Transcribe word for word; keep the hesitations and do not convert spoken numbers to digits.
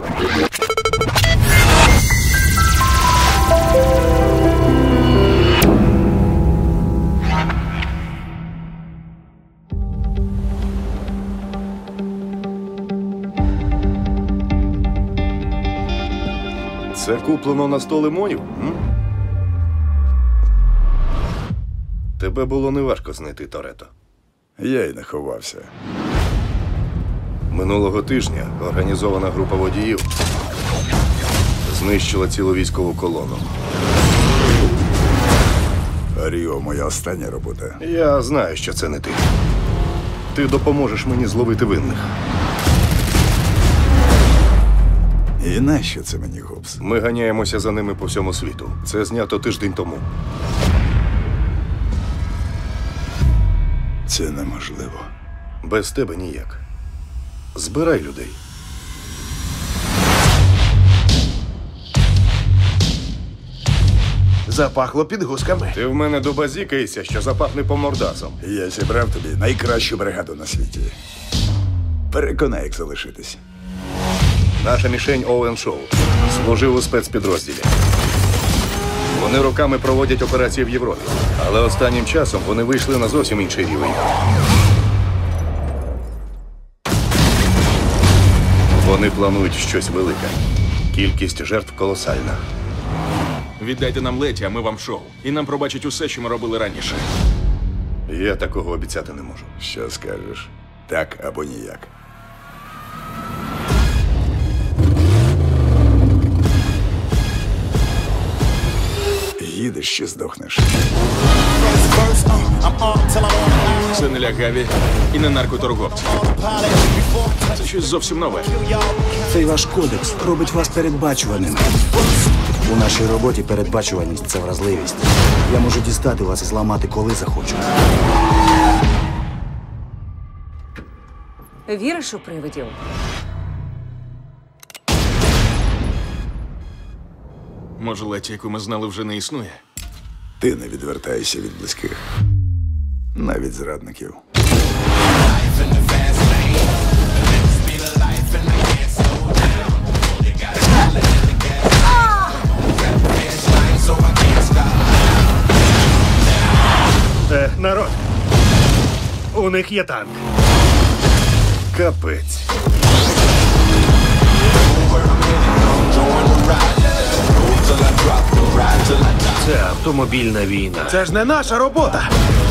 Це куплено на сто лимонів? М? Тебе було неважко знайти, Торетто. Я й не ховався. Минулого тижня організована група водіїв знищила цілу військову колону. Ріо – моя остання робота. Я знаю, що це не ти. Ти допоможеш мені зловити винних. І нащо це мені, Гобс? Ми ганяємося за ними по всьому світу. Це знято тиждень тому. Це неможливо. Без тебе ніяк. Збирай людей. Запахло підгузками. Ти в мене добазікаєшся, що запахне по мордасам. Я зібрав тобі найкращу бригаду на світі. Переконай, як залишитись. Наша мішень Оуен Шоу. Служив у спецпідрозділі. Вони роками проводять операції в Європі. Але останнім часом вони вийшли на зовсім інший рівень. Вони планують щось велике. Кількість жертв колосальна. Віддайте нам Леті, а ми вам шоу. І нам пробачать усе, що ми робили раніше. Я такого обіцяти не можу. Що скажеш? Так або ніяк. Їдеш чи здохнеш? Це не лягаві і не наркоторговці. Це щось зовсім нове. Цей ваш кодекс робить вас передбачуваними. У нашій роботі передбачуваність – це вразливість. Я можу дістати вас і зламати, коли захочу. Віриш у привидів? Може, Леті, яку ми знали, вже не існує? Ти не відвертаєшся від близьких. Навіть зрадників. Е, народ, у них є танк. Капець. Це автомобільна війна. Це ж не наша робота.